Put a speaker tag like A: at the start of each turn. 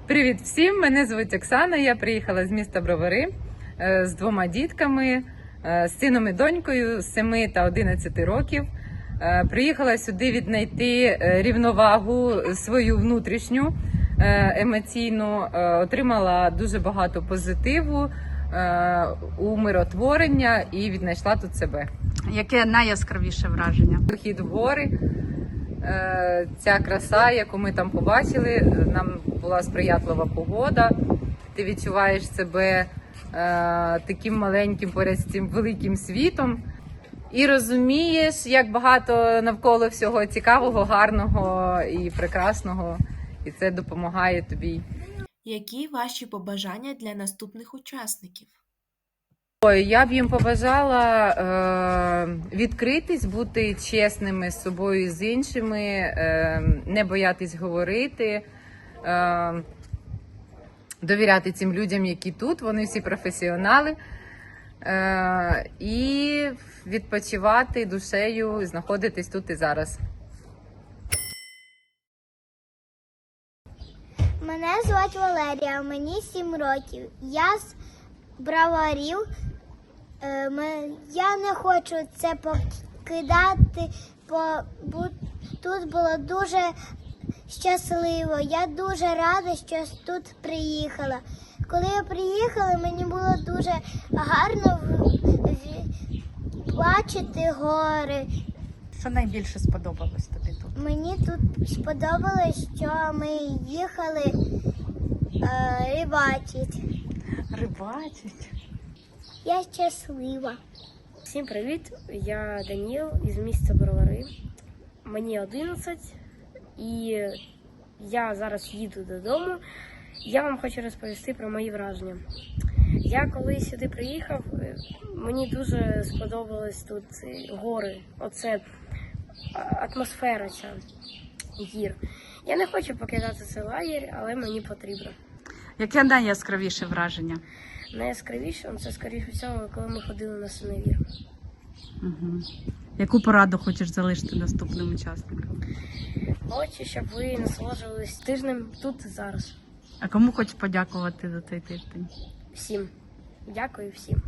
A: Привіт всім! Мене звуть Оксана. Я приїхала з міста Бровари з 2 дітками, з сином і донькою 7 та 11 років. Приїхала сюди віднайти рівновагу свою внутрішню, емоційну. Отримала дуже багато позитиву, умиротворення і віднайшла тут себе.
B: Яке найяскравіше враження?
A: Похід в гори, ця краса, яку ми там побачили, нам була сприятлива погода. Ти відчуваєш себе таким маленьким поряд з цим великим світом і розумієш, як багато навколо всього цікавого, гарного і прекрасного. І це допомагає тобі.
C: Які ваші побажання для наступних учасників?
A: Я б їм побажала відкритись, бути чесними з собою і з іншими, не боятись говорити, довіряти цим людям, які тут, вони всі професіонали, і відпочивати душею, знаходитись тут і зараз.
D: Мене звати Валерія, мені 7 років. Я з Броварів. Я не хочу це покидати, бо тут було дуже щасливо. Я дуже рада, що тут приїхала. Коли я приїхала, мені було дуже гарно бачити гори.
B: Що найбільше сподобалось тобі тут?
D: Мені тут сподобалось, що ми їхали рибачити.
B: Рибачить.
D: Я щаслива.
E: Всім привіт! Я Даніл із міста Бровари. Мені 11 і я зараз їду додому. Я вам хочу розповісти про мої враження. Я коли сюди приїхав, мені дуже сподобались тут гори, оце атмосфера ця гір. Я не хочу покидати цей лагерь, але мені потрібно.
B: Яке найяскравіше враження?
E: Найяскравіше це, скоріше всього, коли ми ходили на синевір.
B: Угу. Яку пораду хочеш залишити наступним учасникам?
E: Хочу, щоб ви насолоджувались тижнем тут і зараз.
B: А кому хочеш подякувати за цей тиждень?
E: Всім. Дякую всім.